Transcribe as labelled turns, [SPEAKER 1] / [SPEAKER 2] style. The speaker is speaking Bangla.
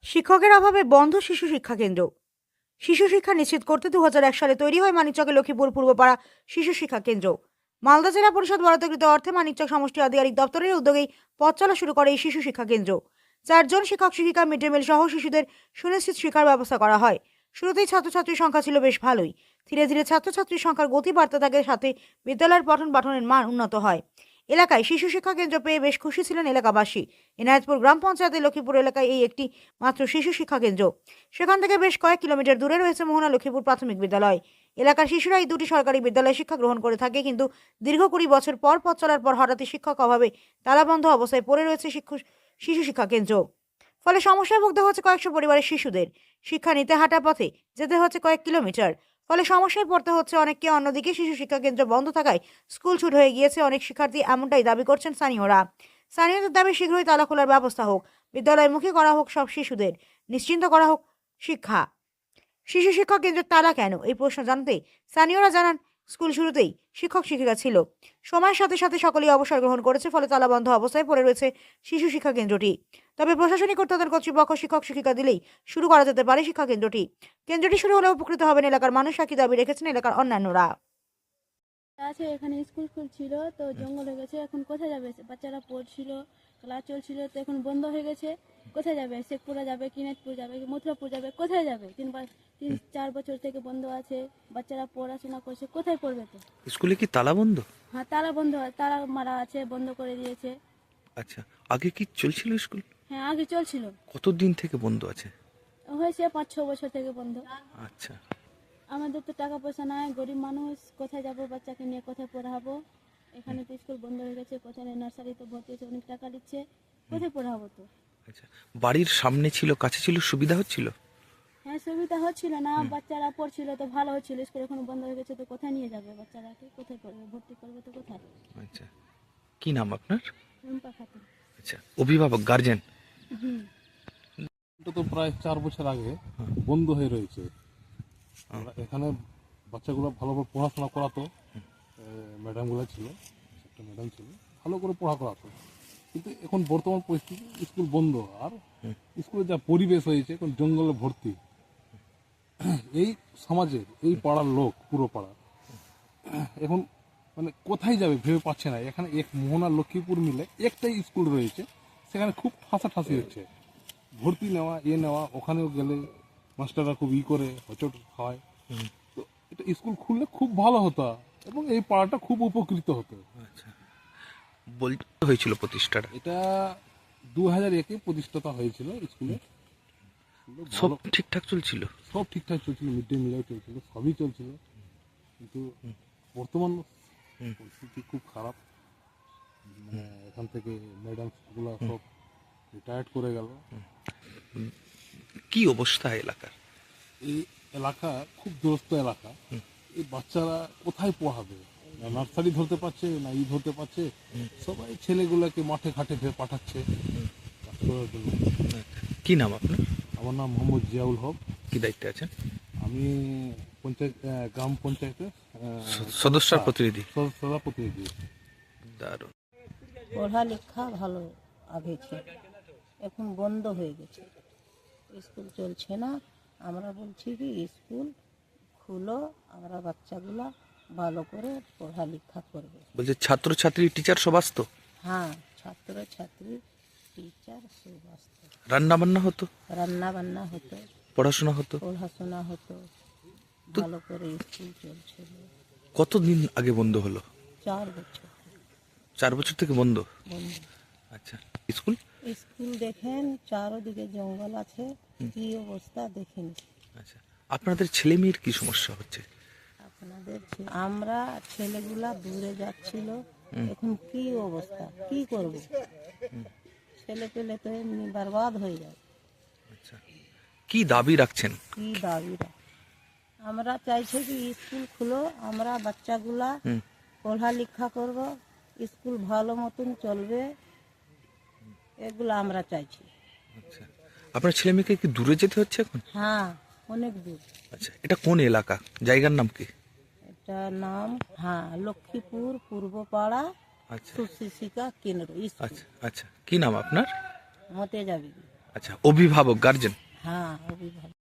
[SPEAKER 1] শিক্ষকের অভাবে বন্ধ শিশু শিক্ষা কেন্দ্র। শিশু শিক্ষা নিশ্চিত করতে 2001 সালে তৈরি হয় মানিকচকে লক্ষ্মীপুর পূর্বপাড়া শিশু শিক্ষা কেন্দ্র। মালদা জেলা পরিষদ বরাদ্দকৃত অর্থে মানিকচক সমষ্টি আধিকারিক দপ্তরের উদ্যোগেই পথ চলা শুরু করে এই শিশু শিক্ষা কেন্দ্র। 4 জন শিক্ষক শিক্ষিকা, মিড ডে মিল সহ শিশুদের সুনিশ্চিত শিক্ষার ব্যবস্থা করা হয়। শুরুতেই ছাত্রছাত্রীর সংখ্যা ছিল বেশ ভালোই। ধীরে ধীরে ছাত্রছাত্রীর সংখ্যার গতি বাড়তে থাকে, সাথে বিদ্যালয়ের পঠন পাঠনের মান উন্নত হয়। এলাকায় শিশু শিক্ষা কেন্দ্র পেয়ে বেশ খুশি ছিলেন এলাকাবাসী। এনায়েতপুর গ্রাম পঞ্চায়েতের লক্ষ্মীপুর এলাকায় এই একটি মাত্র শিশু শিক্ষা কেন্দ্র। সেখান থেকে বেশ কয়েক কিলোমিটার দূরে রয়েছে মোহনা লক্ষ্মীপুর প্রাথমিক বিদ্যালয়। এলাকার শিশুরা এই দুটি সরকারি বিদ্যালয়ে শিক্ষা গ্রহণ করে থাকে, কিন্তু দীর্ঘ 20 বছর পর পথ চলার পর হঠাৎই শিক্ষক অভাবে তালাবন্ধ অবস্থায় পড়ে রয়েছে শিশু শিক্ষা কেন্দ্র। ফলে সমস্যায় ভুগতে হচ্ছে কয়েকশো পরিবারের শিশুদের। শিক্ষা নিতে হাঁটা পথে যেতে হচ্ছে কয়েক কিলোমিটার। ফলে সমস্যায় পড়তে হচ্ছে অনেককে। অন্যদিকে শিশু শিক্ষা কেন্দ্র বন্ধ থাকায় স্কুল ছুট হয়ে গিয়েছে অনেক শিক্ষার্থী, এমনটাই দাবি করছেন স্থানীয়রা। স্থানীয়দের দাবি শীঘ্রই তালা খোলার ব্যবস্থা হোক, বিদ্যালয়মুখী করা হোক সব শিশুদের, নিশ্চিন্ত করা হোক শিক্ষা। শিশু শিক্ষক কেন্দ্রের তালা কেন, এই প্রশ্ন জানতে স্থানীয়রা জানান, স্কুল শুরুতেই শিক্ষক শিক্ষিকা ছিল, সময়ের সাথে সাথে সকলেই অবসর গ্রহণ করেছে, ফলে তালাবন্ধ অবস্থায় পড়ে রয়েছে শিশু শিক্ষা কেন্দ্রটি। তবে প্রশাসনিক কর্তাদের কর্তৃপক্ষ শিক্ষক শিক্ষিকা দিলেই শুরু করা যেতে পারে শিক্ষা কেন্দ্রটি। কেন্দ্রটি শুরু হলে উপকৃত হবেন এলাকার মানুষ, একই দাবি রেখেছেন এলাকার অন্যান্যরা।
[SPEAKER 2] আছে এখানে স্কুল ছিল, তো জঙ্গল হয়ে গেছে। এখন কোথায় যাবে? বাচ্চারা পড়ছিল, ক্লাস চলছিল, তো এখন বন্ধ হয়ে গেছে। কোথায় যাবে? শেখপুরা যাবে, কিনেতপুর যাবে, মথুরাপুর যাবে, কোথায় যাবে? 3-4 বছর থেকে বন্ধ আছে। বাচ্চারা পড়াশোনা করছে, কোথায় পড়বে? তো
[SPEAKER 3] স্কুলে কি তালা বন্ধ?
[SPEAKER 2] হ্যাঁ, তালা বন্ধ, তালা মারা আছে, বন্ধ করে দিয়েছে।
[SPEAKER 3] আচ্ছা, আগে কি চলছিল স্কুল?
[SPEAKER 2] হ্যাঁ, আগে চলছিল।
[SPEAKER 3] কতদিন থেকে বন্ধ আছে?
[SPEAKER 2] হয়েছে 5-6 বছর থেকে বন্ধ।
[SPEAKER 3] আচ্ছা,
[SPEAKER 2] আমাদের তো টাকা পয়সা নাই, গরিব মানুষ, কোথায় যাব? বাচ্চাকে নিয়ে কোথায় পড়াবো? এখানে তো স্কুল বন্ধ হয়ে গেছে, কোথায় নার্সারিতে ভর্তি হয়েছে, অনেক টাকা নিচ্ছে, কোথায় পড়াবো? তো
[SPEAKER 3] আচ্ছা। বাড়ির সামনে ছিল, কাছে ছিল, সুবিধা হচ্ছিল?
[SPEAKER 2] হ্যাঁ, সুবিধা হচ্ছিল না, বাচ্চারা পড়ছিল তো ভালো হচ্ছিল। স্কুল এখন বন্ধ হয়ে গেছে, তো কোথায় নিয়ে যাবে বাচ্চারাকে? কোথায় পড়বে? ভর্তি করবে তো কোথায়?
[SPEAKER 3] আচ্ছা, কি নাম আপনার?
[SPEAKER 2] রুম্পা খাতুন।
[SPEAKER 3] আচ্ছা, অভিভাবক, গার্জেন?
[SPEAKER 2] হুম।
[SPEAKER 4] এটা তো প্রায় 4 বছর আগে বন্ধ হয়ে রয়েছে। আমরা এখানে বাচ্চাগুলো ভালোভাবে পড়াশোনা করাতো, ম্যাডামগুলো ছিল, একটা ম্যাডাম ছিল, ভালো করে পড়া করাতো। কিন্তু এখন বর্তমান পরিস্থিতি স্কুল বন্ধ, আর স্কুলে যা পরিবেশ হয়েছে এখন জঙ্গলে ভর্তি। এই সমাজের এই পাড়ার লোক, পুরো পাড়া এখন মানে কোথায় যাবে ভেবে পাচ্ছে না। এখানে এক মোহনা লক্ষ্মীপুর মিলে একটাই স্কুল রয়েছে, সেখানে খুব ঠাসাঠাসি হচ্ছে। ভর্তি নেওয়া, নেওয়া, ওখানেও গেলে মাস্টাররা খুব করে হোঁচট হয়। তো এটা স্কুল খুললে খুব ভালো হতো এবং এই পাড়াটা খুব উপকৃত হতো।
[SPEAKER 3] আচ্ছা, বলতে হয়েছিল প্রতিষ্ঠাটা?
[SPEAKER 4] এটা 2001-এ প্রতিষ্ঠাতা হয়েছিল স্কুলে।
[SPEAKER 3] সব ঠিকঠাক চলছিল?
[SPEAKER 4] সব ঠিকঠাক চলছিল, মিড ডে মিলও চলছিল, সবই চলছিল। কিন্তু বর্তমান পরিস্থিতি খুব খারাপ। মানে এখান থেকে ম্যাডামগুলো সব রিটায়ার্ড করে গেল।
[SPEAKER 3] কি অবস্থা এলাকার?
[SPEAKER 4] এই এলাকা খুব দূরস্থ এলাকা। এই বাচ্চারা কোথায় পড়াবে? না নার্সারি ধরতে পারছে, না ধরতে পারছে। সবাই ছেলেগুলোকে মাঠে ঘাটে পাঠাচ্ছে কাজ করার জন্য।
[SPEAKER 3] কি নাম আপনার?
[SPEAKER 4] আমার নাম মোহাম্মদ জিয়াউল হক।
[SPEAKER 3] কি দায়িত্বে আছেন?
[SPEAKER 4] আমি পঞ্চায়েত, গ্রাম পঞ্চায়েতের
[SPEAKER 3] সদস্যর প্রতিনিধি?
[SPEAKER 4] সদা প্রতিনিধি।
[SPEAKER 3] দারুণ।
[SPEAKER 5] পড়ালেখা ভালো আগে ছিল, এখন বন্ধ হয়ে গেছে, স্কুল চলছে না। আমরা বলছি কি স্কুল খুলো, আমরা বাচ্চাগুলা ভালো করে পড়ালেখা করবে।
[SPEAKER 3] বলছে ছাত্রছাত্রী, টিচার সব আসতো?
[SPEAKER 5] হ্যাঁ, ছাত্র ছাত্রী, টিচার সব আসতো।
[SPEAKER 3] রান্না বান্না হতো?
[SPEAKER 5] রান্না বান্না হতো,
[SPEAKER 3] পড়াশোনা হতো?
[SPEAKER 5] পড়াশোনা হতো, ভালো করে স্কুল চলছিল।
[SPEAKER 3] কতদিন আগে বন্ধ হলো?
[SPEAKER 5] 4 বছর
[SPEAKER 3] 4 বছর থেকে বন্ধ?
[SPEAKER 5] বন্ধ।
[SPEAKER 3] আচ্ছা, স্কুল?
[SPEAKER 5] স্কুল দেখেন চারোদিকে জঙ্গল আছে, কি অবস্থা দেখেন।
[SPEAKER 3] আচ্ছা, আপনাদের ছেলে মেয়ের কি সমস্যা হচ্ছে?
[SPEAKER 5] আপনাদের আমরা ছেলেগুলা দূরে যাচ্ছিল, এখন কি অবস্থা, কি করব? ছেলে পেলে তো এমনি বরবাদ হয়ে যায়।
[SPEAKER 3] আচ্ছা, কি দাবি রাখছেন?
[SPEAKER 5] কি দাবিরা আমরা চাইছি কি স্কুল খুলো, আমরা বাচ্চাগুলা পড়ালেখা করব, স্কুল ভালো মতন চলবে, এগুলো আমরা চাইছি।
[SPEAKER 3] আচ্ছা, আপনার ছেলে মেয়েকে কি দূরে যেতে হচ্ছে এখন?
[SPEAKER 5] হ্যাঁ, অনেক দূর।
[SPEAKER 3] আচ্ছা, এটা কোন এলাকা, জায়গার নাম কি?
[SPEAKER 5] এটা নাম লক্ষ্মীপুর পূর্বপাড়া
[SPEAKER 3] আচ্ছা
[SPEAKER 5] সুশিক্ষা কেন্দ্র স্কুল।
[SPEAKER 3] আচ্ছা আচ্ছা, কি নাম আপনার?
[SPEAKER 5] মতে যাবি।
[SPEAKER 3] আচ্ছা, অভিভাবক গার্জেন?
[SPEAKER 5] হ্যাঁ অভিভাবক।